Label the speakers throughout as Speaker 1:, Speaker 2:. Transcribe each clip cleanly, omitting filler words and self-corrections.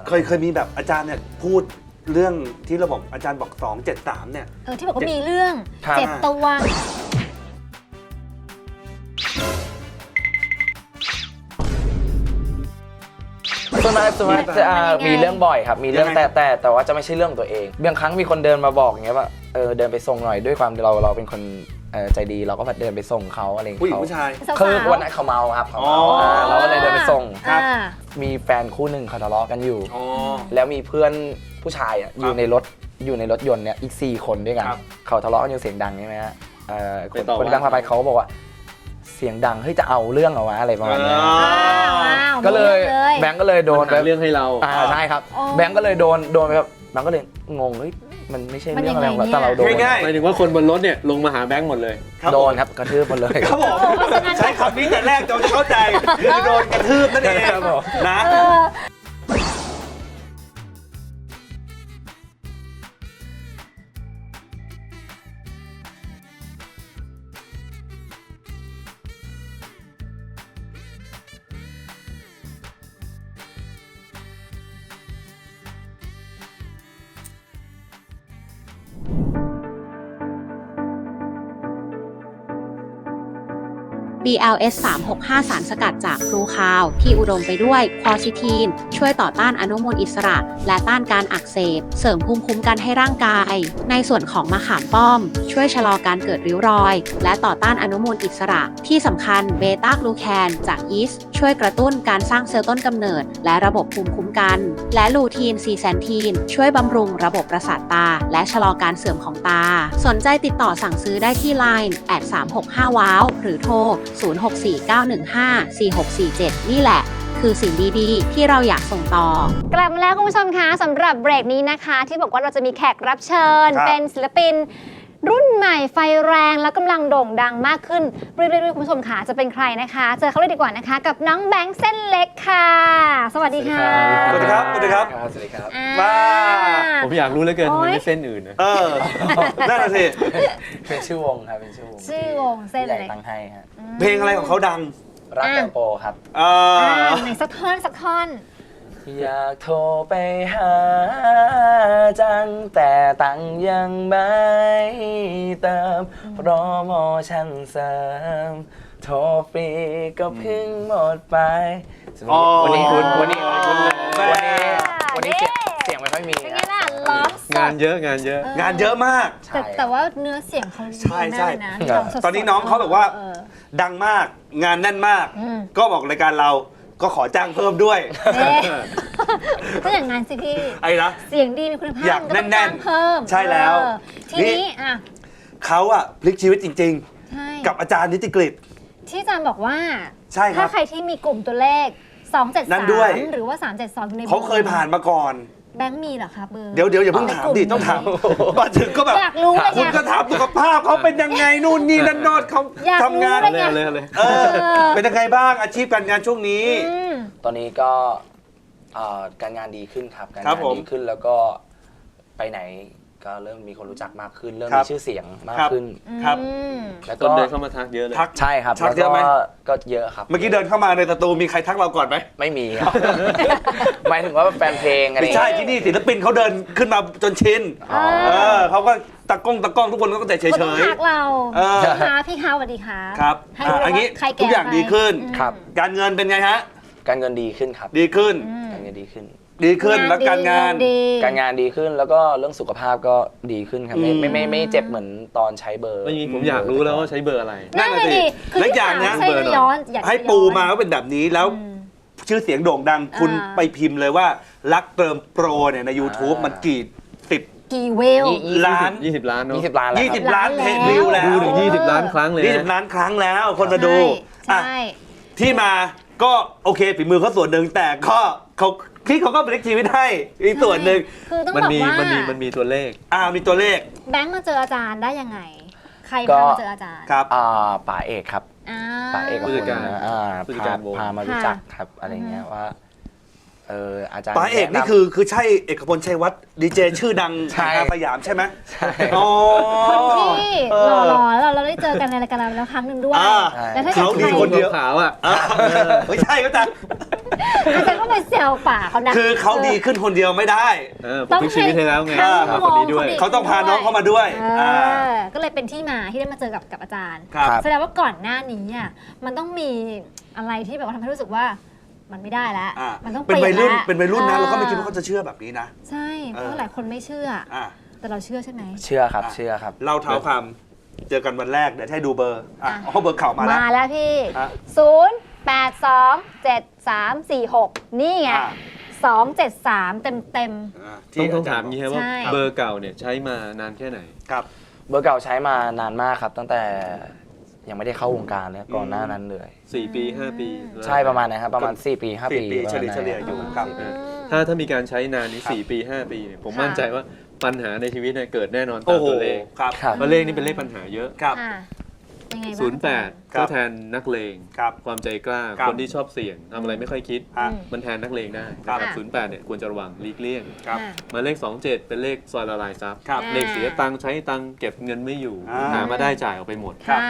Speaker 1: เคยมีแบบอาจารย์เนี่ยพูดเรื่องที่เราบอกอาจารย์บอก273เนี่ย
Speaker 2: ที่บอกว่ามีเรื่องเจ็บตัว
Speaker 3: ส่วนมากจะมีเรื่องบ่อยครับมีเรื่องแต่ว่าจะไม่ใช่เรื่องตัวเองบางครั้งมีคนเดินมาบอกอย่างเงี้ยว่าเดินไปส่งหน่อยด้วยความเราเป็นคนใจดีเราก็เดินไปส่งเขาอะไรอย่างเงี้ย
Speaker 1: ผู้หญิงผู้ชาย
Speaker 3: คือวันนั้นเขาเมาครับเขาเมาเราก็เลยเดินไปส่งมีแฟนคู่หนึ่งเขาทะเลาะกันอยู่แล้วมีเพื่อนผู้ชายอยู่ในรถยนต์เนี่ยอีก4 คนด้วยกันเขาทะเลาะกันอยู่เสียงดังใช่ไหมฮะคนที่นั่งพาไปเขาบอกว่าเสียงดังเฮ้ยจะเอาเรื่องเอาวะอะไรประมาณนี้ก็เลยแบงก์ก็เลยโดน
Speaker 4: เรื่องให้เรา
Speaker 3: ใช่ครับแบงก์ก็เลยโดนไปแบบแบงก์ก็เลยงงเฮ้ยมันไม่ใช่เรื่องอะไรหรอกแต่เราโดน
Speaker 1: ง่าย
Speaker 4: หมายถึงว่าคนบนรถเนี่ยลงมาหาแบงก์หมดเลย
Speaker 3: โดนครับกระทืบหมดเลย
Speaker 1: ครับผมใช้คำนี้แต่แรกเราจะเข้าใจคือโดนกระทืบนั่นเองนะ
Speaker 5: BLS 365 สารสกัดจากพลูคาวที่อุดมไปด้วยควอซิทีนช่วยต่อต้านอนุมูลอิสระและต้านการอักเสบเสริมภูมิคุ้มกันให้ร่างกายในส่วนของมะขามป้อมช่วยชะลอการเกิดริ้วรอยและต่อต้านอนุมูลอิสระที่สำคัญเบต้ากลูแคนจากยีสต์ช่วยกระตุ้นการสร้างเซลล์ต้นกำเนิดและระบบภูมิคุ้มกันและลูทีนซีแซนทีนช่วยบำรุงระบบประสาทตาและชะลอการเสื่อมของตาสนใจติดต่อสั่งซื้อได้ที่ LINE @365 ว้าวหรือโทร0649154647 นี่แหละคือสิ่งดีๆที่เราอยากส่งต่อก
Speaker 2: ลับมาแล้วคุณผู้ชมคะสำหรับเบรกนี้นะคะที่บอกว่าเราจะมีแขกรับเชิญเป็นศิลปินรุ่นใหม่ไฟแรงและกำลังโด่งดังมากขึ้นเรื่อยๆคุณผู้ชมค่ะจะเป็นใครนะคะเจอเขาเลยดีกว่านะคะกับน้องแบงค์เส้นเล็กค่ะสวัสดีค่ะ
Speaker 1: สวัสดีครับสวัสดีครับ
Speaker 3: สวัสดีครับ
Speaker 1: มา
Speaker 4: ผมอยากรู้เหลือเกินมันไม่เส้นอื่นนะ
Speaker 1: นั่นน่ะสิ
Speaker 3: เป็นชื่อวงครับเป็น
Speaker 2: ชื่อวงเส้นเล็ก
Speaker 3: ตั้งให้ฮะ
Speaker 1: เพลงอะไรของเขาดัง
Speaker 3: รักแตงโปครับ
Speaker 2: ไหนสักท่อน
Speaker 3: อยากโทรไปหาจังแต่ตังยังไม่เติมโปรโมชั่นเสริมโทรฟรีก็เพิ่งหมดไปวันนี้เสียงไม่ค่อยมี
Speaker 4: งานเยอะ
Speaker 1: งานเยอะมาก
Speaker 2: แต่ว่าเนื้อเสียงเขาดีมากนะ
Speaker 1: ตอนนี้น้องเขาแบบว่าดังมากงานแน่นมากก็บอกรายการเราก็ขอจ้างเพิ่มด้วย
Speaker 2: ก็อย่างนั้นสิพี่
Speaker 1: ไอ้นะ
Speaker 2: เสียงดีมีคุณภาพ
Speaker 1: อยากแน่น
Speaker 2: ๆเพิ่ม
Speaker 1: ใช่แล้ว
Speaker 2: ทีนี้
Speaker 1: เขาพลิกชีวิตจริงๆกับอาจารย์นิติกฤษ
Speaker 2: ที่อาจารย์บอกว่า
Speaker 1: ใช่ครับ
Speaker 2: ถ้าใครที่มีกลุ่มตัวเลข273หรือว่า372ใน
Speaker 1: เขาเคยผ่านมาก่อน
Speaker 2: แบงค์มีเหรอครับเบอร์
Speaker 1: เดี๋ยวอย่าเพิ่งถามดิต้องถามมาถึงก็แบบ
Speaker 2: อยากรู้เลย
Speaker 1: คุณก็ถามสุขภาพเขาเป็นยังไงนู่นนี่นั่นโนดเขาทำงาน
Speaker 4: เลย
Speaker 1: เป็นยังไงบ้างอาชีพการงานช่วงนี้
Speaker 3: ตอนนี้ก็การงานดีขึ้นครับการงานดีขึ้นแล้วก็ไปไหนก็เริ่มมีคนรู้จักมากขึ้นเริ่มมีชื่อเสียงมากขึ้น
Speaker 1: ครับ
Speaker 4: แล้วก็เดินเข้ามาทักเยอะเลย
Speaker 3: ใช่ครับ
Speaker 1: ทักเยอะไหม
Speaker 3: ก็เยอะครับ
Speaker 1: เมื่อกี้เดินเข้ามาในสตูมีใครทักเราก่อนไหม
Speaker 3: ไม่มีครับหมายถึงว่าแฟนเพลงอะไร
Speaker 1: ไม่ใช่ที่นี่ศิลปินเขาเดินขึ้นมาจนชินเขาก็ตะก้องทุกคนก็แต่เฉย
Speaker 2: ๆทักเราพี่เขาสวัสดีค่ะ
Speaker 1: ครับอันนี้ทุกอย่างดีขึ้นการเงินเป็นไงฮะ
Speaker 3: การเงินดีขึ้นครับ
Speaker 1: ดีขึ้น
Speaker 3: การเงินดีขึ้น
Speaker 1: แล้วการงาน
Speaker 3: ดีขึ้นแล้วก็เรื่องสุขภาพก็ดีขึ้นครับไม่เจ็บเหมือนตอนใช้เบอร์
Speaker 4: ผมอยากรู้แล้วว่าใช้เบอร์อะไร
Speaker 1: นั่นสิและอย่างนะให้ปูมาก็เป็นแบบนี้แล้วชื่อเสียงโด่งดังคุณไปพิมพ์เลยว่ารักเติมโปรเนี่ยใน YouTube มัน
Speaker 2: กี่เวล
Speaker 1: ล้าน
Speaker 4: 20 ล้านเนาะ
Speaker 3: 20 ล้าน
Speaker 1: เพจวิวแล้ว
Speaker 4: ดูถึง20 ล้านครั้งเลย
Speaker 1: 20 ล้านครั้งแล้วคนมาดูที่มาก็โอเคฝีมือเขาส่วนหนึ่งแต่ก็เขาก็พลิกชีวิตให้อีกส่วนหนึ่ง
Speaker 2: คือต้องบอกว่า
Speaker 4: มันมีตัวเลข
Speaker 1: มีตัวเลข
Speaker 2: แบงค์มาเจออาจารย์ได้ยังไงใครพามาเจออาจารย์
Speaker 1: ครับ
Speaker 3: ป๋าเอกครับป๋าเอก
Speaker 4: ผู้จัดการ
Speaker 3: พามารู้จักครับอะไรเงี้ยว่าอาจารย์
Speaker 1: ป๋าเอกนี่คือใช่เอกพลชัยวัฒน์ดีเจชื่อดังสยามใช่ไหม
Speaker 3: ใช่
Speaker 2: คนที่หล่อๆเราได้เจอกันในรายการเราแล้วครั้งหนึ่งด้วย
Speaker 1: แล้วถ้าเขาดีคนเดียว
Speaker 4: ขาว
Speaker 1: ไม่ใช่ก็จะ
Speaker 2: อาจารย์ก็ไปเซลป่าเขานะ
Speaker 1: คือเขาดีขึ้นคนเดียวไม่ได้
Speaker 4: ผมพลิกชีวิตให้แล้วไง
Speaker 2: ต้อง
Speaker 4: มาคนนี้ด้วย
Speaker 1: เขาต้องพาน้องเข้ามาด้วย
Speaker 2: ก็เลยเป็นที่มาที่ได้มาเจอกับอาจารย์
Speaker 1: ครับ
Speaker 2: แสดงว่าก่อนหน้านี้อ่ะมันต้องมีอะไรที่แบบว่าทำให้รู้สึกว่ามันไม่ได้แล้ว มันต้อง
Speaker 1: เป็นวัยรุ่น
Speaker 2: แล้ว
Speaker 1: เป็นวัยรุ่นนะเราก็ไม่คิดว่าเขาจะเชื่อแบบนี้นะ
Speaker 2: ใช่เพราะหลายคนไม่เชื่อ
Speaker 1: อ่ะ
Speaker 2: แต่เราเชื่อใช่ไหม
Speaker 3: เชื่อครับเชื่อครับ
Speaker 1: เล่าเท้าความเจอกันวันแรกเดี๋ยวให้ดูเบอร์เบอร์เข่ามาแล้ว
Speaker 2: มาแล้วพี่
Speaker 1: อ่ะ
Speaker 2: 082734 นี่ไง
Speaker 1: อ่ะ
Speaker 2: 273 เต็ม
Speaker 4: ต้องถามอย่างนี้ครับว่า
Speaker 2: ใช่
Speaker 4: เบอร์เก่าเนี่ยใช้มานานแค่ไหน
Speaker 1: ครับ
Speaker 3: เบอร์เก่าใช้มานานมากครับตั้งแต่ยังไม่ได้เข้าวงการเลยก่อนหน้านั้นเลย
Speaker 4: 4 ปี 5 ปี
Speaker 3: ใช่ประมาณนะครับประมาณ4 ปี 5 ปี
Speaker 1: 4 ปีเฉลี่ยอยู่ครับ
Speaker 3: 4 ปี
Speaker 4: ถ้ามีการใช้นานนี้4 ปี 5 ปีเนี่ยผม
Speaker 2: ค่ะ
Speaker 4: มั่นใจว่าปัญหาในชีวิตเนี่ยเกิดแน่นอน
Speaker 1: โอ้
Speaker 4: ตาม
Speaker 1: โห
Speaker 4: ตัวเลข
Speaker 1: ครับ
Speaker 3: ครับ
Speaker 4: เพราะเลขนี้เป็นเลขปัญหาเยอะ
Speaker 1: ครับ
Speaker 2: ๆยังไงบ้าง
Speaker 4: 08 ก็แทนนักเลง
Speaker 1: ครับ
Speaker 4: ความใจกล้า
Speaker 1: ครับ
Speaker 4: คนที่ชอบเสี่ยงทำอะไรไม่ค่อยคิด
Speaker 1: อ่ะ
Speaker 4: มันแทนนักเลงได้
Speaker 1: ครับ
Speaker 4: นะครับ08เนี่ยควรจะระวังหลีกเลี่ยง
Speaker 1: ครับ
Speaker 4: หมายเลข 27 เป็นเลขซอยละลายทรัพย์
Speaker 1: ครับ
Speaker 4: เลขเสียตังค์ใช้ตังค์เก็บเงินไม่อยู่
Speaker 1: อ่า
Speaker 4: หามาได้จ่ายออกไปหมด
Speaker 1: ครับ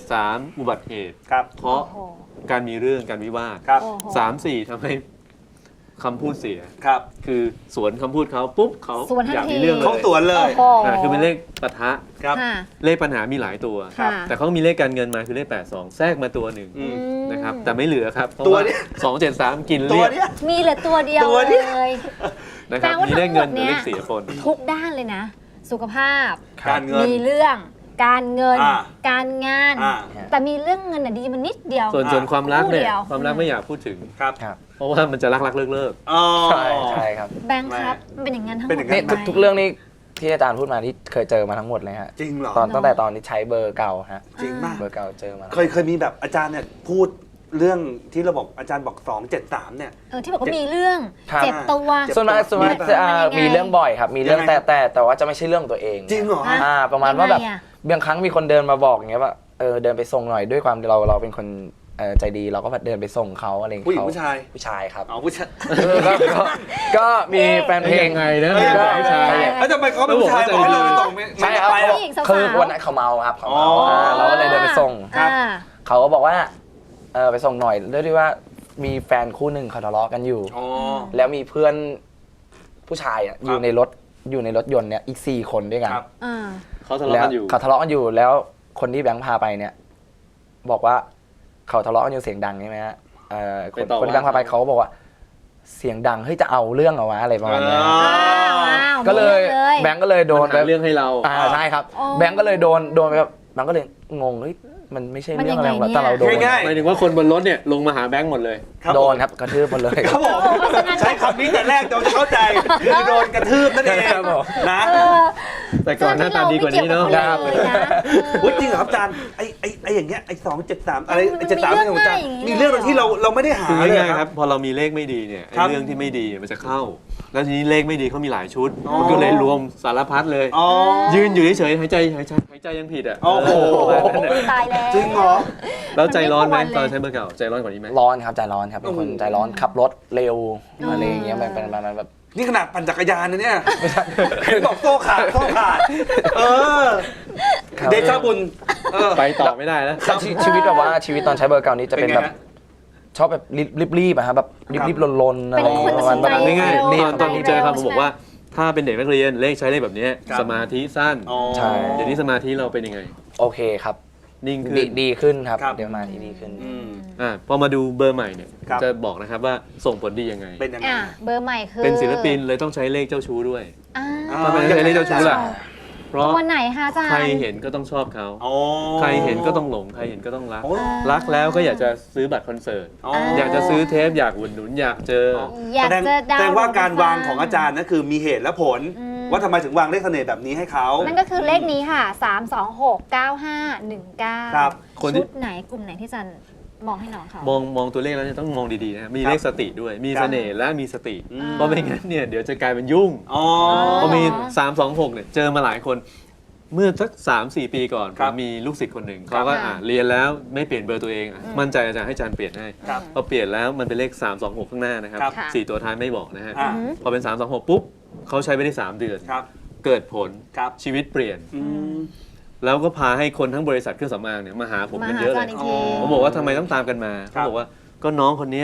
Speaker 4: 73 อุบัติเหตุ
Speaker 1: ครับ
Speaker 4: เพราะ
Speaker 2: โอ้โห
Speaker 4: การมีเรื่องการวิวาท
Speaker 1: ครับ
Speaker 2: โอ้โห
Speaker 4: 3-4ทำให้คำพูดเสีย
Speaker 1: ครับ
Speaker 4: คือสวนคำพูดเขาปุ๊บเขา
Speaker 2: สวนทัน
Speaker 4: อยาก
Speaker 2: ที
Speaker 4: มีเรื่องเล
Speaker 1: เขา
Speaker 4: ย
Speaker 1: สวนเลย
Speaker 2: โอ้โห
Speaker 4: คือเป็นเลขปะทะ
Speaker 1: ครับ
Speaker 2: ค่ะ
Speaker 4: เลขปัญหามีหลายตัว
Speaker 2: ค่ะ
Speaker 4: แต่เขามีเลขการเงินมาคือเลข 82 แทรกมาตัวหนึ่ง
Speaker 1: อืม
Speaker 4: นะครับแต่ไม่เหลือครับเพราะ
Speaker 1: ตัว
Speaker 4: ว่า
Speaker 1: เนี้ย
Speaker 4: 273 กิน
Speaker 1: ตั
Speaker 4: เรี
Speaker 1: วย
Speaker 4: บ
Speaker 1: เนี้ย
Speaker 2: มีเหลือตัวเดียว
Speaker 1: ตัวเดียว
Speaker 2: เลย
Speaker 4: นะครับ
Speaker 2: แปลว่า
Speaker 4: มีเลขเงิน
Speaker 2: ทั้งหมด
Speaker 4: กับเล
Speaker 2: เนี่ย
Speaker 4: ขเสียปน
Speaker 2: ทุกด้านเลยนะ สุขภาพ
Speaker 1: การเงิน
Speaker 2: มีเรื่องการเงิน
Speaker 1: อ่า
Speaker 2: การงาน
Speaker 1: อ่า
Speaker 2: แต่มีเรื่องเงินน่ะดีมันนิดเดียว
Speaker 4: ส่วนความรักเนี่ย
Speaker 2: คู่เดียว
Speaker 4: ความรักไม่อยากพูดถึง
Speaker 1: ครับ
Speaker 3: ครับ
Speaker 4: เพราะว่ามันจะรักเลิก
Speaker 1: อ๋อ
Speaker 3: ใช่ใช่ครับ
Speaker 2: แบงค์ครับมันเป็นอย่างนั้นทั้งหม
Speaker 1: เป็น
Speaker 2: ด
Speaker 1: อย่างนั้
Speaker 3: นี่
Speaker 1: น
Speaker 2: ไหม
Speaker 3: ทุกเรื่องนี้ที่อาจารย์พูดมาที่เคยเจอมาทั้งหมดเลยฮะ
Speaker 1: จริงเหรอ
Speaker 3: ตั้งแต่ตอนที่ใช้เบอร์เก่าฮะ
Speaker 1: จริงมาก
Speaker 3: เบอร์เก่าเจอมา
Speaker 1: เคยมีแบบอาจารย์เนี่ยพูดเรื่องที่เราบอกอาจารย์บอก273เนี่ย
Speaker 2: ที่บอกว่ามีเรื่อง
Speaker 3: ครับ
Speaker 2: เจ็บตัว
Speaker 1: เจ็บ
Speaker 3: ส่วนมาก
Speaker 1: มี
Speaker 3: จะ
Speaker 2: ยังไง
Speaker 3: มีเรื่องบ่อยครับ มีเรื่อง
Speaker 1: ยังไง
Speaker 3: แต่ว่าจะไม่ใช่เรื่องตัวเอง
Speaker 1: จริงเหรอ
Speaker 2: ฮะ
Speaker 3: ประมาณว่าแบบ
Speaker 2: ยังไงอะ
Speaker 3: บางครั้งมีคนเดินมาบอกอย่างเงี้ยว่าเดินไปส่งหน่อยด้วยความเราเป็นคนใจดีเราก็แบบเดินไปส่งเขาอะไรอย่าง
Speaker 1: ผู้หญิ
Speaker 3: เงี้
Speaker 1: ง
Speaker 3: ย
Speaker 1: ผู้ชาย
Speaker 3: ผู้ชายครับ
Speaker 1: อ๋อผู้ชาย
Speaker 3: ก็มีแฟน
Speaker 4: ๆ
Speaker 3: เพลง
Speaker 4: ยังไงนะ
Speaker 1: เออ
Speaker 4: เด็กผู้ชาย
Speaker 1: แล้วทำไมเขาเป็นผู้ชาย
Speaker 4: แล้ว
Speaker 1: บอก
Speaker 4: บอก
Speaker 1: ให้
Speaker 4: ว่า
Speaker 1: เราไปส่งไม่
Speaker 3: ใช่ครับ
Speaker 1: ไม่ไปหรอก
Speaker 2: ผู้หญิงสาวๆ
Speaker 3: คือวันนั้นเขาเมาครับเขาเมา
Speaker 1: อ๋อ
Speaker 3: เราก็เลยเดินไปส่ง
Speaker 1: ครับ
Speaker 3: เขาก็บอกว่าไปส่งหน่อยเรื่องที่ว่ามีแฟนคู่หนึ่งเขาทะเลาะกันอยู่
Speaker 1: อ๋อ
Speaker 3: แล้วมีเพื่อนผู้ชายอยู่ในรถยนต์เนี่ยอีก4 คนด้วยกัน
Speaker 1: ครับ
Speaker 2: อ่า
Speaker 4: เขาทะเลาะกันอยู่
Speaker 3: เขาทะเลาะกันอยู่แล้วคนที่แบงค์พาไปเนี่ย บอกว่าเขาทะเลาะกันอยู่เสียงดังใช่ไหมฮะคนที่แบงค์พาไปเขาก็บอกว่าเสียงดังเฮ้ยจะเอาเรื่องเอาวะอะไรประมาณเนี้ย
Speaker 1: อ๋อ
Speaker 2: อ้าว
Speaker 3: ก็เลย
Speaker 2: มีรื่อง
Speaker 3: แบงค์ก็เลยโดน
Speaker 4: หาเรื่องให้เรา
Speaker 3: ใช่ครับ
Speaker 2: อ๋อ
Speaker 3: แบงค์ก็เลยโดนไปแบบแบงค์ก็เลยงงเฮ้ยมันไม่ใช่เรื่องอะไรหรอกแต่เราโดน
Speaker 1: ง่าย
Speaker 4: หมายถึงว่าคนบนรถเนี่ยลงมาหาแบงค์หมดเลย
Speaker 3: โดนครับกระทืบหมดเลย
Speaker 1: ครับผมใช้คำนี้แต่แรกเราจะเข้าใจคือโดนกระทืบนั่นเอง
Speaker 3: ครับผม
Speaker 1: นะ
Speaker 2: เออ
Speaker 4: แต่ก่อนหน้าตาดีกว่านี้เนาะ
Speaker 2: ไม่กี่ยวกับเขาเลยนะ
Speaker 1: อุ๊ยจริงเหรอครับอาจารย์ไอ้อย่างเงี้ยไอ้273อะไรไอ้73
Speaker 2: มันมี
Speaker 1: ของอาจารย์
Speaker 2: เรื่องง่ายอย่างนี้
Speaker 1: มีเรื่องที่เราไม่ได้หา
Speaker 4: คือ
Speaker 1: เลย
Speaker 4: ง่ายๆ
Speaker 1: ค
Speaker 4: ค
Speaker 1: รั
Speaker 4: รับ บพอเรามีเลขไม่ดีเนี่ยไอ้
Speaker 1: ครับ
Speaker 4: เรื่องที่ไม่ดีมันจะเข้า แล้วทีนี้เลขไม่ดีเขามีหลายชุด
Speaker 1: อ๋อ
Speaker 4: มันก็เลยรวมสารพัดเลย
Speaker 1: อ๋อ
Speaker 4: ยืนอยู่เฉยๆหายใจยังผิดอ่ะ
Speaker 1: โอ้โห
Speaker 2: ตายแล้ว
Speaker 1: จริงเหรอ
Speaker 4: แล้วใจร้อนไหม
Speaker 2: มันไม่
Speaker 4: ตอน
Speaker 2: ควรเลย
Speaker 4: ใช้เบอร์เก่าใจร้อนกว่านี้ไหม
Speaker 3: ร้อนครับใจร้อนครับเป็นคน
Speaker 1: โอ้โห
Speaker 3: ใจร้อนขับรถเร็วอะไรอย่างเงี้ยมันเป็นประมาณแบบ
Speaker 1: นี่ขนาดปั่นจักรยานนะเนี่ยเห็นบอกโซ่ขาดเออ
Speaker 3: ครับ
Speaker 1: เดชะบุญเออ
Speaker 4: ไปต่อไม่ได้แล้ว
Speaker 3: ชีวิตแบบว่าชีวิตตอนใช้เบอร์เก่านี้จะเป็น
Speaker 1: เป็นไง
Speaker 3: แบบ
Speaker 1: ฮะ
Speaker 3: ชอบแบบรีบๆอะครับแบบรีบๆลนๆอะไร
Speaker 2: เป็นคน
Speaker 3: ประมาณ
Speaker 2: ตัดสินใจ
Speaker 3: แบบ
Speaker 4: ง่าย
Speaker 2: เร็ว
Speaker 4: ๆตอนผมเจอคำผม
Speaker 2: ใช่ไหม
Speaker 4: บอกว่า ถ้าเป็นเด็กนักเรียนเลขใช้เลขแบบนี้
Speaker 1: ครับ
Speaker 4: สมาธิสั้น
Speaker 1: อ๋อ
Speaker 3: ใช่
Speaker 4: เดี๋ยวนี้สมาธิเราเป็นยังไง
Speaker 3: โอเคครับ
Speaker 4: นิ่งขึ้น
Speaker 3: ดีขึ้นครับ
Speaker 1: ครับ
Speaker 3: เดี๋ยวมาที่ดีขึ้น
Speaker 1: อืม
Speaker 4: พอมาดูเบอร์ใหม่เนี่ย
Speaker 1: ครับ
Speaker 4: จะบอกนะครับว่าส่งผลดียังไง
Speaker 1: เป็นยังไง
Speaker 2: อ่ะเบอร์ใหม่คือ
Speaker 4: เป็นศิลปินเลยต้องใช้เลขเจ้าชู้ด้วย
Speaker 2: อ่า
Speaker 4: ทำไมต้องใช้เลขเจ้าชู้ล่ะ เพราะ
Speaker 2: ตัวไหนคะอาจารย์
Speaker 4: ใครเห็นก็ต้องชอบเขา
Speaker 1: อ๋อ
Speaker 4: ใครเห็นก็ต้องหลง ใครเห็นก็ต้องรัก
Speaker 1: โอ้
Speaker 4: รักแล้วก็อยากจะซื้อบัตรคอนเสิร์ต
Speaker 1: อ๋อ
Speaker 4: อยากจะซื้อเทปอยากอุดหนุนอยากเจอ
Speaker 2: อยาก
Speaker 1: แสดง
Speaker 2: จะดาว
Speaker 1: แสดงว่าการวาง
Speaker 2: ฟั
Speaker 1: ของอาจารย์นั่นคือมีเหตุและผล
Speaker 2: อืม
Speaker 1: ว่าทำไมถึงวางเลขเสน่ห์แบบนี้ให้เขา
Speaker 2: นั่นก็คือเลขนี้ค่ะ 3269519
Speaker 1: ครับ
Speaker 4: คนที่
Speaker 2: ชุดไหนกลุ่มไหนที่อาจารย์มองให้น้องเขา
Speaker 4: มองตัวเลขแล้วเนี่ยต้องมองดีๆนะมีเลขสติด้วย มี
Speaker 1: ครับ
Speaker 4: เสน่ห์และมีสติ
Speaker 1: อืม
Speaker 4: เพราะไม่งั้นเนี่ยเดี๋ยวจะกลายเป็นยุ่ง
Speaker 1: อ๋อ
Speaker 4: พอมี 326เนี่ยเจอมาหลายคน เมื่อสัก 3-4 ปีก่อน
Speaker 1: ค
Speaker 4: ผ
Speaker 1: รับ
Speaker 4: มมีลูกศิษย์คนหนึ่งเขาก็เรียนแล้วไม่เปลี่ยนเบอร์ตัวเองมั่นใจอาจารย์ให้อาจารย์เปลี่ยนให้
Speaker 1: ครับ
Speaker 4: พอเปลี่ยนแล้วมันเป็นเลข 326 ข้างหน้านะครับ
Speaker 1: ครับ
Speaker 2: ค่ะ
Speaker 4: 4 ตัวท้ายไม่บอกนะฮะ
Speaker 1: อ่า
Speaker 4: พอเป็น 326 ปุ๊บเขาใช้ไปได้ 3 เดือน
Speaker 1: ครับ
Speaker 4: เกิดผล
Speaker 1: ครับ
Speaker 4: ชีวิตเปลี่ยน
Speaker 1: อืม
Speaker 4: แล้วก็พาให้คนทั้งบริษัทเครื่องสำอางเนี่ยมาหาผม
Speaker 2: มา
Speaker 4: กัน
Speaker 2: หา
Speaker 4: เยอะ
Speaker 2: อา
Speaker 4: เล
Speaker 2: จาร
Speaker 4: ย
Speaker 2: ย์อีกที
Speaker 1: อ๋อ
Speaker 4: ผมบอกว่าทำไมต้องตามกันมา
Speaker 1: ครั
Speaker 4: เขา
Speaker 1: บ
Speaker 4: บอกว่าก็น้องคนเนี้ยเขา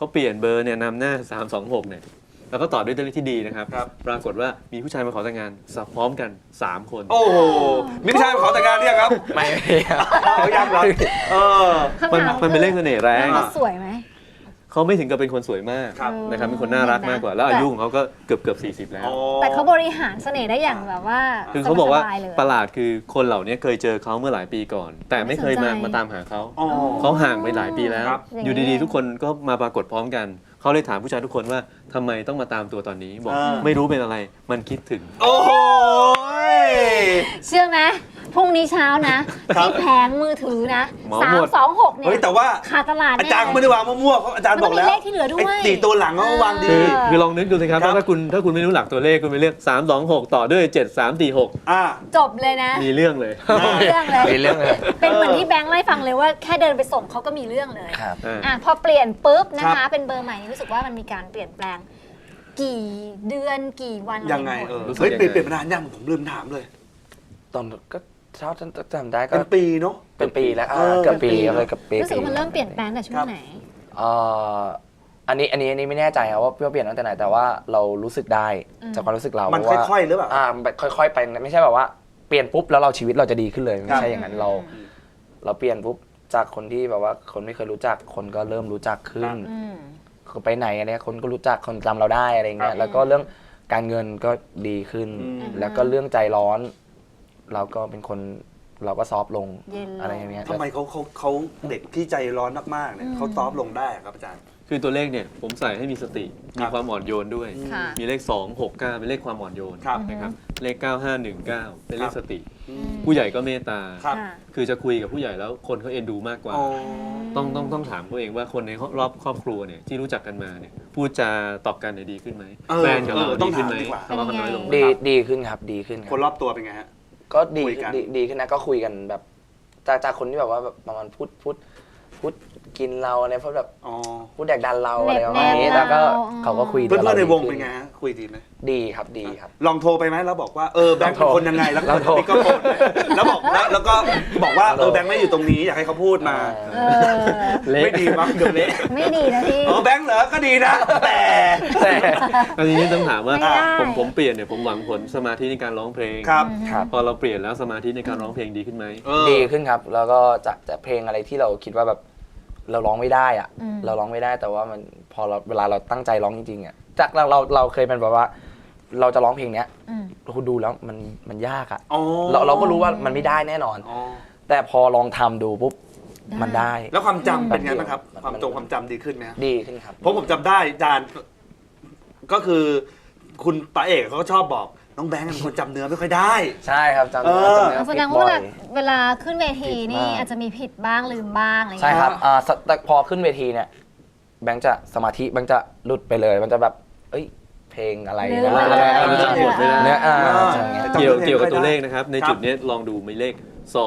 Speaker 4: เขาเปลี่ยนเบอร์เนี่ยนำหน้า 326 เนี่ยแล้วก็ต่อด้วยตัวเลขที่ดีนะครับ
Speaker 1: ครับ
Speaker 4: ปรากฏว่ามีผู้ชายมาขอแต่งงานสับพร้อมกัน 3 คน
Speaker 1: โอ้โหมีผู้ชายมาขอแต่งงานเนี่ยครับ
Speaker 3: ไม่ครับ
Speaker 1: เขายังเหรอเออ
Speaker 2: คำถาม
Speaker 4: มันเป็นเลขเสน่ห์แรง
Speaker 2: เขาสวยไหม
Speaker 4: เขาไม่ถึงกับเป็นคนสวยมาก
Speaker 1: ครับ
Speaker 4: นะครับเป็นคนน่ารักมากกว่า แล้วอายุของเขาก็เกือบ40 แล้ว
Speaker 2: แต่เขาบริหารเสน่ห์ได้อย่างแบบว่า
Speaker 4: คือเขาบอกว่า
Speaker 2: สบยๆเลย
Speaker 4: ประหลาดคือคนเหล่านี้เคยเจอเขาเมื่อหลายปีก่อน แต่ไม่เคย
Speaker 2: ไม่สนใจ
Speaker 4: มาตามหาเขา
Speaker 1: อ๋อ
Speaker 4: เขาห่างไปหลายปีแล้ว
Speaker 1: ครับ
Speaker 4: อยู่ดีๆ ทุกคนก็มาปรากฏพร้อมกัน เขาเลยถามผู้ชายทุกคนว่าทำไมต้องมาตามตัวตอนนี้ บอกไม่รู้เป็นอะไร มันคิดถึง
Speaker 1: โอ้โห
Speaker 2: เชื่อไหมพรุ่งนี้เช้านะ
Speaker 1: ครับ
Speaker 2: ที่แผงมือถือนะ
Speaker 4: เหมาหมด
Speaker 2: 326เนี่
Speaker 1: เฮ้ย
Speaker 2: ย
Speaker 1: แต่ว่า
Speaker 2: ขาดตลาด
Speaker 1: อา
Speaker 2: แน่
Speaker 1: จารย์ก็ไม่ได้วางมั่วๆเพราะอาจารย์บอกแล้ว
Speaker 2: มันต้องมีเลขที่เหลือด้วย
Speaker 1: ไอ้4ตัวหลังเขาก็วางดี
Speaker 4: คือลองนึกดูสิครับ
Speaker 1: ครับ
Speaker 4: ถ้าคุณไม่รู้หลักตัวเลขคุณไปเลือก326 ต่อด้วย 7346
Speaker 1: อ่า
Speaker 2: จบเลยนะ
Speaker 4: มีเรื่องเลย
Speaker 2: มีเรื่องเลย
Speaker 3: มีเรื่องเลย
Speaker 2: เป็นเหมือนที่แบงค์ไล่ฟังเลยว่าแค่เดินไปส่งเขาก็มีเรื่องเลย
Speaker 3: ครับ
Speaker 2: อ่ะพอเปลี่ยนปุ๊บนะ
Speaker 1: ครั
Speaker 2: คะ
Speaker 1: บ
Speaker 2: เป็นเบอร์ใหม่นี่รู้สึกว่ามันมีการเปลี่ยนแปลง กี่เดือนกี่วัน
Speaker 1: ยังไง
Speaker 2: อะร
Speaker 1: เออ
Speaker 4: รู้สึก
Speaker 1: เฮ้ย
Speaker 4: ยังไง
Speaker 1: เปลี่ยนมานานยังผมลืมถามเลย
Speaker 3: ตอนก็เท่าจำได้ก็
Speaker 1: เป็นปีเนาะ
Speaker 3: เป็นปีแล้ว
Speaker 1: เออ
Speaker 3: เกือบปี
Speaker 1: เป็นปี
Speaker 3: เลยเกือบปี
Speaker 2: รู้สึกว่ามันเริ่มเปลี่ยนแปลงแต่ช่วงไหน
Speaker 3: เอ่ออันนี้ไม่แน่ใจครับว่าเปลี่ยนตั้งแต่ไหนแต่ว่าเรารู้สึกได้
Speaker 2: อืม
Speaker 3: จากความรู้สึกเรา
Speaker 1: มัน
Speaker 3: ว่า
Speaker 1: ค่อยๆหรือเปล่า
Speaker 3: มันค่อยๆไปไม่ใช่แบบว่าเปลี่ยนปุ๊บแล้วเราชีวิตเราจะดีขึ้นเลยไม่ใช่อย่างนั้นเราเปลี่ยนปุ๊บจากคนที่แบบว่าคนไม่เคยรู้จักคนก็เริ่มรู้จักขึ้น
Speaker 2: อืม
Speaker 3: ไปไหนอะไรคนก็รู้จักคนจำเราได้อะไรเงี้
Speaker 1: ครั
Speaker 3: ย
Speaker 1: บ
Speaker 3: แล้วก็เรื่องการเงินก็ดีขึ้น
Speaker 1: อืม
Speaker 3: แล้วก็เรื่องใจร้อน เราก็เป็นคนเราก็ซอฟต์ลง
Speaker 2: เย็นลง
Speaker 3: อะไรอย่างเงี้ย
Speaker 1: ทำไมเขาเด็กที่ใจร้อนมากๆเนี่ยเขาซอฟต์ลงได้อะครับอาจารย์
Speaker 4: คือตัวเลขเนี่ยผมใส่ให้มีสติ
Speaker 1: ค
Speaker 4: มี
Speaker 1: รับ
Speaker 4: ความอ่อนโยนด้วย
Speaker 2: ค่ะ
Speaker 4: มีเลข 269 เป็นเลขความอ่อนโยน
Speaker 1: ครับ
Speaker 4: นะครับเลข 9519 เป็นเล
Speaker 1: ครั
Speaker 4: ข
Speaker 1: บ
Speaker 4: สติ ผู้ใหญ่ก็เมตตา
Speaker 1: ครับ
Speaker 2: ค่ะ
Speaker 4: คือจะคุยกับผู้ใหญ่แล้วคนเขาเอ็นดูมากกว่า
Speaker 1: อ๋อ
Speaker 4: ต้องถามตัวเองว่าคนในรอบครอบครัวเนี่ยที่รู้จักกันมาเนี่ยพูดจาตอบกันเนี่ยดีขึ้นไหม
Speaker 1: เออ
Speaker 4: แฟนกับเรา
Speaker 1: ต้
Speaker 4: ดี
Speaker 1: อง
Speaker 4: ขึ้นไหม
Speaker 1: ถามดีกว่า
Speaker 4: ทะเลาะกันน้อยลงไหม
Speaker 3: ดีขึ้นครับดีขึ้นค
Speaker 1: คน
Speaker 3: รับ
Speaker 1: รอบตัวเป็นไงฮะ
Speaker 3: ก็ดี
Speaker 1: คุยกัน
Speaker 3: ดีขึ้นนะก็คุยกันแบบจากคนที่แบบว่าแบบประมาณพูดกินเราอะไรพวกแบบ
Speaker 1: อ๋อ
Speaker 3: พูดแดกดันเราอะไรประมาณนี้
Speaker 2: แนบๆ
Speaker 3: แล้วก็
Speaker 2: เรา
Speaker 3: เขาก็คุย
Speaker 1: เพื่อนๆในวง
Speaker 3: ดี
Speaker 1: เป็น
Speaker 3: ขึ้
Speaker 1: ไงฮะคุยดีไหม
Speaker 3: ดีครับดีครับ
Speaker 1: ลองโทรไปไหมแล้วบอกว่าแบงค์เป็นคนยังไงแล้ว
Speaker 3: ลองโทร
Speaker 1: ก็โทรแล้วบอกแล้วก็บอกว่าแบงค์ไม่อยู่ตรงนี้อยากให้เขาพูดมา
Speaker 2: เออ
Speaker 1: ไม่ดีมั้งเดี๋ยวเละ
Speaker 2: ไม่ดีนะพี่
Speaker 1: แบงค์เหรอก็ดีนะ แต่
Speaker 4: อันนี้ต้องถามว่า
Speaker 2: ไม่ได้
Speaker 4: ผมเปลี่ยนเนี่ยผมหวังผลสมาธิในการร้องเพลง
Speaker 1: ครับ
Speaker 3: ครับ
Speaker 4: พอเราเปลี่ยนแล้วสมาธิในการร้องเพลงดีขึ้นไหม
Speaker 3: ดีขึ้นครับ แล้วก็จากเพลงอะไรที่เราคิดว่าแบบเราร้องไม่ได้อะ
Speaker 2: อืม
Speaker 3: เราร้องไม่ได้แต่ว่ามันพอเราเวลาเราตั้งใจร้องจริงๆอ่ะจากเราเคยเป็นแบบว่า เราจะร้องเพลงเนี้ย
Speaker 2: อืม
Speaker 3: เราดูแล้วมันยากอ่ะ
Speaker 1: อ๋อ
Speaker 3: เราก็รู้ว่ามันไม่ได้แน่นอน
Speaker 1: อ๋อ
Speaker 3: แต่พอลองทำดูปุ๊บมันได้
Speaker 1: แล้วความจำเป็นไงบ้างครับ
Speaker 3: มัน
Speaker 1: ความจำดีขึ้นไหมครับ
Speaker 3: ดีขึ้นครับ
Speaker 1: เพราะผมจำได้อาจารย์ก็คุณป๋าเอกเขาก็ชอบบอกน้องแบงค์เป็นคนจำเนื้อไม่ค่อยได้
Speaker 3: ใช่ครับจำ
Speaker 1: เออ
Speaker 3: จำเนื้อ
Speaker 2: แสดง
Speaker 3: ผิ
Speaker 2: ว่า
Speaker 3: บ่อย
Speaker 2: เวลาขึ้นเวทีนี่
Speaker 3: ผิดมาก
Speaker 2: อาจจะมีผิดบ้างลืมบ้างอะไรอย่าง
Speaker 3: ใช่
Speaker 2: เงี้ย
Speaker 3: ครับแต่พอขึ้นเวทีเนี่ยแบงค์จะสมาธิแบงค์จะหลุดไปเลยมันจะแบบเอ้ยเพลงอะไร
Speaker 2: ลื
Speaker 3: นะ
Speaker 2: มไปเลย
Speaker 4: มันจะหมดไปแล้ว
Speaker 3: เนี่ยใช่
Speaker 1: จำ
Speaker 4: เกี่ยว
Speaker 1: เพลง
Speaker 4: เกี่ยวกับ
Speaker 1: ไม่ได้
Speaker 4: ตัวเลขนะครับ ใน
Speaker 1: ครับ
Speaker 4: จุดนี้ลองดูมีเลข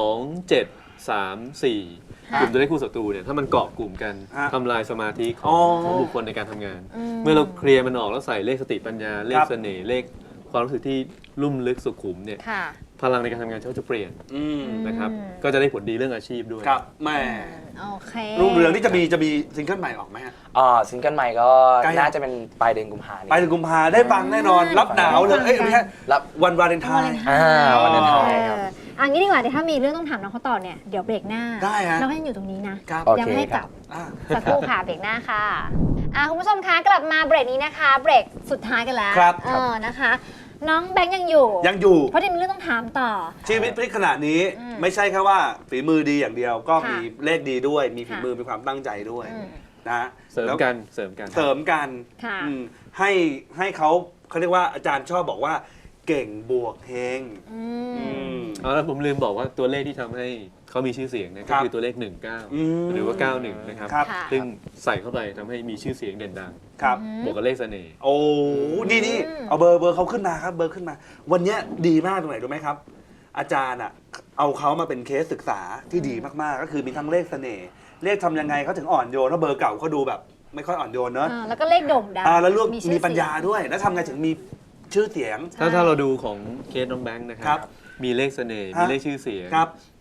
Speaker 4: 2 7 3 4 กลุ่มตัวเลขคู่ศัตรูเนี่ยถ้ามันเกาะกลุ่มกัน
Speaker 1: ฮะ
Speaker 4: ทำลายสมาธิข
Speaker 1: อ๋
Speaker 4: อ
Speaker 1: อ
Speaker 4: ของบุคคลในการทำงาน
Speaker 2: อืม
Speaker 4: เมื่อเราเคลียร์มันออกแล้วใส่เลขสติปัญญา เลข
Speaker 1: ครับ
Speaker 4: เสน่ห์เลขความรู้สึกที่ลุ่มลึกสุขุมเนี่ย
Speaker 2: ค่ะ
Speaker 4: พลังในการทำงานเขาจะเปลี่ยน
Speaker 1: อืม
Speaker 4: นะครับ
Speaker 2: อืม
Speaker 4: ก็จะได้ผลดีเรื่องอาชีพด้วย
Speaker 1: ครับแม่
Speaker 2: โอเค
Speaker 1: รุ่งเรืองที่จะมีซิงเกิลใหม่ออกไหมฮะ
Speaker 3: ซิงเกิลใหม่ก็
Speaker 1: ใกล้
Speaker 3: น่าจะเป็นปลายเดือนกุมภาพันธ์
Speaker 1: ไปถึงกุมภาได้ฟังแน่นอน รับหนาวเลยเอ้ยไม่ใช่
Speaker 3: รับ
Speaker 1: วันวาเลนไทน์
Speaker 3: วันเลนไทน์ครับ
Speaker 2: อันนี้ดีกว่าเดี๋ยวถ้ามีเรื่องต้องถามน้องเขาต่อเนี่ยเดี๋ยวเบรกหน้า
Speaker 1: ได้ฮะ
Speaker 2: น้องก็ยังอยู่ตรงนี้นะ
Speaker 1: ครับ
Speaker 3: โอเค
Speaker 2: ยังไม่ให้กลับ
Speaker 1: อ่ะ
Speaker 2: สักครู่ค่ะเบรกหน้าค่ะคุณผู้ชมคะกลับมาเบรกนี้นะคะ เบรกสุดท้ายกันแล้ว
Speaker 1: ครับ
Speaker 2: นะคะ น้องแบงค์ยังอยู่
Speaker 1: ยังอยู่
Speaker 2: เพราะที่มีเรื่องต้องถามต่อ
Speaker 1: ชีวิตพลิกขนาดนี้
Speaker 2: อืม
Speaker 1: ไม่ใช่แค่ว่าฝีมือดีอย่างเดียว ก็
Speaker 2: ค่ะ
Speaker 1: มีเลขดีด้วย มีฝี
Speaker 2: ค่ะ
Speaker 1: มือมีความตั้งใจด้วย
Speaker 2: อืม
Speaker 1: นะฮะ
Speaker 4: เสริม
Speaker 1: แล้ว
Speaker 4: กันเสริมกัน
Speaker 1: เสริมกัน
Speaker 2: ค่ะ
Speaker 1: อืมให้เขาเรียกว่าอาจารย์ชอบบอกว่าเก่งบวกเฮง
Speaker 2: อื
Speaker 1: อื
Speaker 2: ม
Speaker 1: ม
Speaker 4: เอาแล้วผมลืมบอกว่าตัวเลขที่ทำให้เขามีชื่อเสียงนะ
Speaker 1: ค
Speaker 4: ก็
Speaker 1: รับ
Speaker 4: คือตัวเลข
Speaker 1: อืม
Speaker 4: 19 หรือว่า 91 นะครับ
Speaker 1: ครับ
Speaker 2: ค่ะ
Speaker 4: ซึ่งใส่เข้าไปทำให้มีชื่อเสียงเด่นดัง
Speaker 1: ครับ
Speaker 4: บวกกับเลขเสน่ห์
Speaker 1: โอ้นี่เอาเบอร์เขาขึ้นมาครับ เบอร์ขึ้นมา วันเนี้ยดีมากตรงไหนรู้ไหมครับ อาจารย์อ่ะเอาเขามาเป็นเคสศึกษาที่ดีมากๆ ก็คือมีทั้งเลขเสน่ห์เลขทำยังไงเขาถึงอ่อนโยนเพราะเบอร์เก่าเขาดูแบบ ไม่ค่อยอ่อนโยนเนอะ
Speaker 2: แล้วก็เลขโด่งดัง
Speaker 1: แล้วลูก
Speaker 2: ชื่อ
Speaker 1: มีปัญญา
Speaker 2: เสียง
Speaker 1: ด้วย แล้วทำไงถึงมีชื่อเสียง
Speaker 2: ใช่
Speaker 4: ถ้าเราดูของเคสน้องแบงค์นะค
Speaker 1: ครั
Speaker 4: รับ บ มีเลขเสน่ห์
Speaker 1: ฮะ
Speaker 4: มีเลขชื่อเสียง
Speaker 1: ครับ
Speaker 4: แ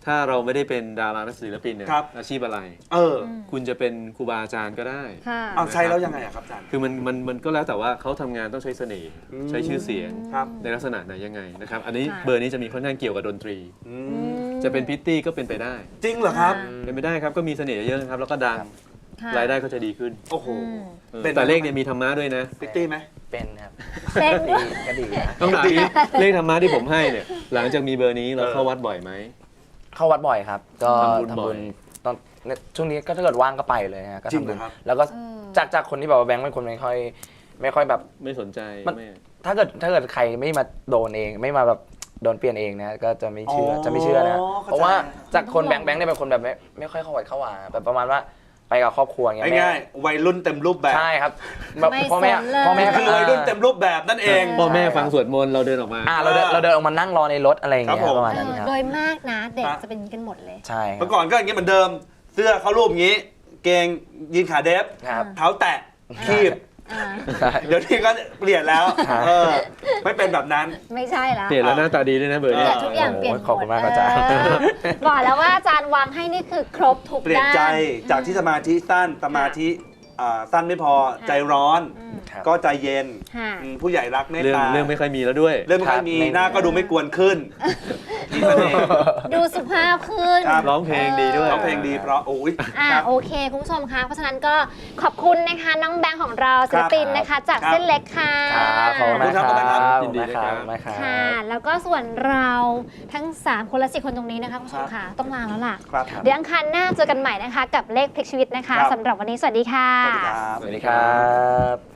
Speaker 4: ถ้าเราไม่ได้เป็นดารานักศิลปินเนี่ย
Speaker 1: ครับ
Speaker 4: อาชีพอะไร
Speaker 1: อ
Speaker 4: คุณจะเป็นครูบาอาจารย์ก็ได้
Speaker 2: ค่ะ
Speaker 1: เอาใช้แล้วยังไงอะครับอาจารย์
Speaker 4: คือมันก็แล้วแต่ว่าเขาทำงานต้องใช้เสน่ห์ใช้ชื่อเสียง
Speaker 1: ครับ
Speaker 4: ในลักษณะไหนยังไงนะครับอันนี้
Speaker 2: ค่ะ
Speaker 4: เบอร์นี้จะมีค่อนข้างเกี่ยวกับดนตรี
Speaker 1: อืม
Speaker 4: จะเป็นพิตตี้ก็เป็นไปได้
Speaker 1: จริงเหรอครับ
Speaker 4: เป็นไปได้ครับก็มีเสน่ห์เยอะนะครับแล้วก็ดัง
Speaker 2: ค่ะ
Speaker 4: รายได้ก็จะดีขึ้น
Speaker 1: โอ้โห เป็น
Speaker 4: แต่เลขเนี่ยมีธรรมะด้วยนะ
Speaker 1: พิตตี้ไหม
Speaker 3: เป็นครับ
Speaker 2: เป็น
Speaker 3: ดีก็ดีนะ
Speaker 4: ต้องถามนี้เลขธรรมะที่ผมให้เนี่ยหลังจากมีเบอร์นี้เราเข้าวัดบ่อยไหม
Speaker 3: เข้าวัดบ่อยครับ ก็
Speaker 4: ทำบุญบ่อย
Speaker 3: ตอนช่วงนี้ก็ถ้าเกิดว่างก็ไปเลยฮะก็
Speaker 1: จริง
Speaker 3: ทำ
Speaker 1: เหร
Speaker 3: บุ
Speaker 1: อ
Speaker 3: ญ
Speaker 1: ครับ
Speaker 3: แล้วก็จากคนที่แบบว่าแบงค์เป็นคนไม่ค่อยแบบ
Speaker 4: ไม่สนใจ
Speaker 3: มัน
Speaker 4: ไม่
Speaker 3: ถ้าเกิดใครไม่มาโดนเองไม่มาแบบโดนเปลี่ยนเองนะก็จะไม่เชื่อ
Speaker 1: อ๋อ
Speaker 3: จะไม่เชื่อนะ
Speaker 1: เข้าใจ
Speaker 3: เพราะว่าจากคนแบงค์เนี่ยเป็นคนแบบไม่ค่อยเข้าวัดเข้าวาแบบประมาณว่าไปกับครอบครัวอย่างเงี้ย
Speaker 1: ง่ายๆวัยรุ่นเต็มรูปแบบ
Speaker 3: ใช่ครับแบบ
Speaker 2: ไม่
Speaker 3: พ่อแม่
Speaker 2: สนเลย
Speaker 3: พ่อแม่
Speaker 1: คือวัยรุ่นเต็มรูปแบบนั่นเอง
Speaker 4: พ่อแม่ฟังสวดมนต์เราเดินออกมา
Speaker 3: เราเดินออกมานั่งรอในรถอะไรอย่างเงี้ย
Speaker 1: ครับผม
Speaker 3: ประมาณนั้นครับ
Speaker 2: โดยมากนะเด็กจะเป็นอย่างนี้กันหมดเลย
Speaker 3: ใช่ครั
Speaker 1: เมื่
Speaker 3: บ
Speaker 1: อก่อนก็อย่างนี้เหมือนเดิม เสื้อเขารูปอย่างนี้ เกงยีนขาเดฟ
Speaker 3: ครับ
Speaker 1: เท้าแตะคีบ
Speaker 2: อ่า
Speaker 3: ใช่
Speaker 1: เดี๋ยวนี้ก็เปลี่ยนแล้ว
Speaker 3: ครับ
Speaker 1: ไม่เป็นแบบนั้น
Speaker 2: ไม่ใช่ละ
Speaker 4: เปลี่ยนแล้วหน้าตาดีด้วยนะเบอร์
Speaker 2: เนี่
Speaker 4: เนี้
Speaker 2: ยทุกอย่างเปลี่ยนหมด
Speaker 3: ขอบคุณมากครับอาจารย์
Speaker 2: บอกแล้วว่าอาจารย์วางให้นี่คือครบทุก
Speaker 1: เปลี่ยน
Speaker 2: ด้าน
Speaker 1: ใจจากที่สมาธิสั้นสมาธิสั้นไม่พอใจร้อน
Speaker 3: ครับ
Speaker 1: ก็ใจเย็น
Speaker 2: ค่ะ
Speaker 1: ผู้ใหญ่รักเมต
Speaker 4: เรื่อง
Speaker 1: ตา
Speaker 4: เรื่องไม่ค่อยมีแล้วด้วย
Speaker 1: เรื่องไม่ค่อยมี
Speaker 3: ครับ
Speaker 1: หน้าก็ดูไม่กวนขึ้นมีเสน่ห์
Speaker 2: ดูสุภาพขึ้น
Speaker 1: ครับ
Speaker 4: ร้องเพลงดีด้วย
Speaker 1: ร้องเพลงดีเพราะโอ้ยครับ
Speaker 2: โอเค คุณผู้ชมคะเพราะฉะนั้นก็ขอบคุณนะคะน้องแบงค์ของเราศิลปินนะคะ จาก
Speaker 1: ครับ
Speaker 2: เส้นเล็กค่ะ
Speaker 3: ครับขอบคุณมากค
Speaker 1: ขอบคุณครับ
Speaker 3: รับ
Speaker 4: ยินดีด้วยครับ
Speaker 3: ขอบคุณมากครับ
Speaker 2: ค่ะ แล้วก็ส่วนเราทั้ง 3 คนและ4คนตรงนี้นะคะคุณผู้ชมค่ะต้องลาแล้วล่ะ
Speaker 1: ครับ
Speaker 2: เดี๋ยวอังคารหน้าเจอกันใหม่นะคะ กับเลขพลิกชีวิตนะคะ
Speaker 1: ครับ
Speaker 2: สำหรับวันนี้สวัสดีค่ะ
Speaker 1: สวัสดีครับ
Speaker 3: สวัสดีครับ